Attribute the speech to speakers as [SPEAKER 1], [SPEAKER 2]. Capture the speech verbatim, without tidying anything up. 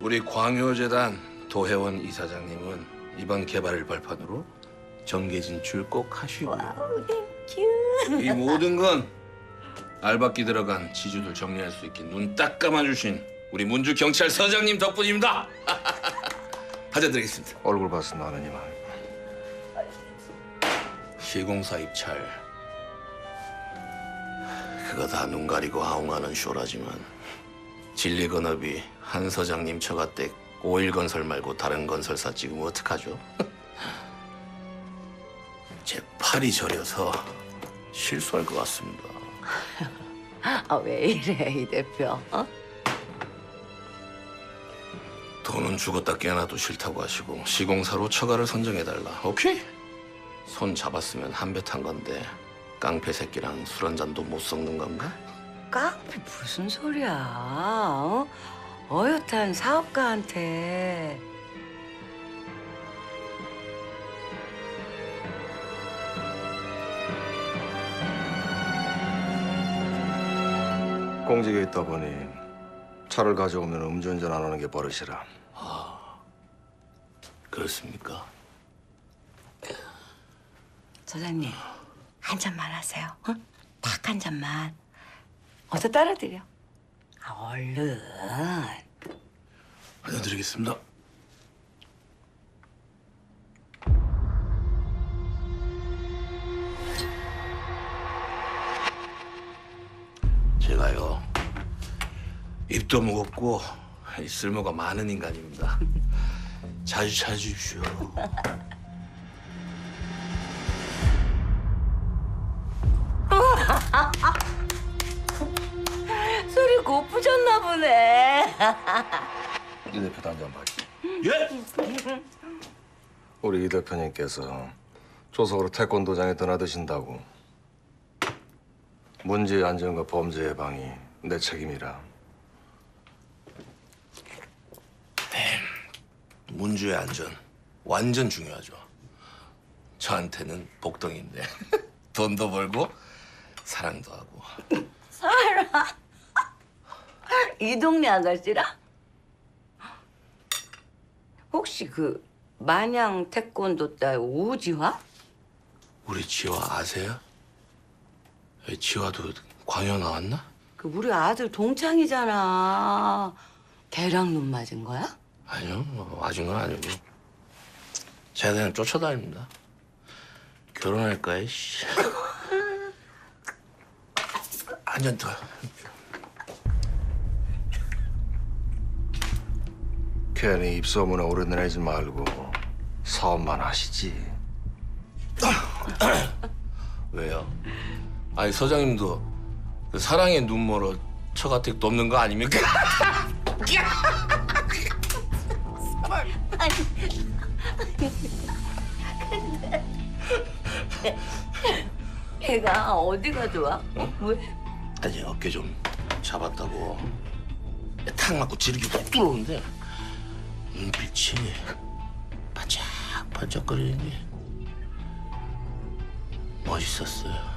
[SPEAKER 1] 우리 광효재단 도혜원 이사장님은 이번 개발을 발판으로 정계 진출 꼭 하시고
[SPEAKER 2] 와우, 땡큐.
[SPEAKER 1] 이 모든 건 알박기 들어간 지주들 정리할 수 있게 눈 딱 감아주신 우리 문주 경찰서장님 덕분입니다. 하자드리겠습니다.
[SPEAKER 3] 얼굴 봐서 나는 이만.
[SPEAKER 1] 시공사 입찰 그거 다 눈 가리고 아웅하는 쇼라지만 진리건업이 한 서장님 처가댁 오일건설 말고 다른 건설사 찍으면 어떡하죠? 제 팔이 저려서 실수할 것 같습니다.
[SPEAKER 2] 아, 왜 이래, 이 대표? 어?
[SPEAKER 1] 돈은 죽었다 깨어나도 싫다고 하시고 시공사로 처가를 선정해달라. 오케이? 손 잡았으면 한 배 탄 건데 깡패 새끼랑 술 한 잔도 못 섞는 건가?
[SPEAKER 2] 깡패 무슨 소리야? 어? 어엿한 사업가한테.
[SPEAKER 3] 공직에 있다 보니 차를 가져오면 음주운전 안 하는 게 버릇이라.
[SPEAKER 1] 그렇습니까?
[SPEAKER 2] 소장님, 한 잔만 하세요. 어? 딱 한 잔만. 어서 따라드려. 아, 얼른.
[SPEAKER 1] 알려드리겠습니다. 제가요 입도 무겁고 쓸모가 많은 인간입니다. 자주 찾으십시오.
[SPEAKER 2] 술이 고프셨나 보네.
[SPEAKER 3] 이 대표도 한 잔 봐.
[SPEAKER 1] 예?
[SPEAKER 3] 우리 이 대표님께서 조석으로 태권도장에 드나드신다고. 문제의 안전과 범죄 예방이 내 책임이라.
[SPEAKER 1] 문주의 안전 완전 중요하죠. 저한테는 복덩인데 돈도 벌고 사랑도 하고.
[SPEAKER 2] 이 동네 아가씨라? 혹시 그 마냥 태권도 딸 오지화?
[SPEAKER 1] 우리 지화 아세요? 왜 지화도 광여 나왔나?
[SPEAKER 2] 그 우리 아들 동창이잖아. 걔랑 눈 맞은 거야?
[SPEAKER 1] 아니요, 뭐 맞은 건 아니고 제가 그냥 쫓아다닙니다. 결혼할까, 씨. 한 잔 더.
[SPEAKER 3] 괜히 입소문에 오르내리지 말고 사업만 하시지.
[SPEAKER 1] 왜요? 아니 서장님도 그 사랑의 눈멀어 처가택 돕는 거 아닙니까?
[SPEAKER 2] 걔가 어디가 좋아? 어? 왜?
[SPEAKER 1] 아니 어깨 좀 잡았다고 탁 맞고 지르기 훅 들어오는데 눈빛이 반짝반짝거리는 게 멋있었어요.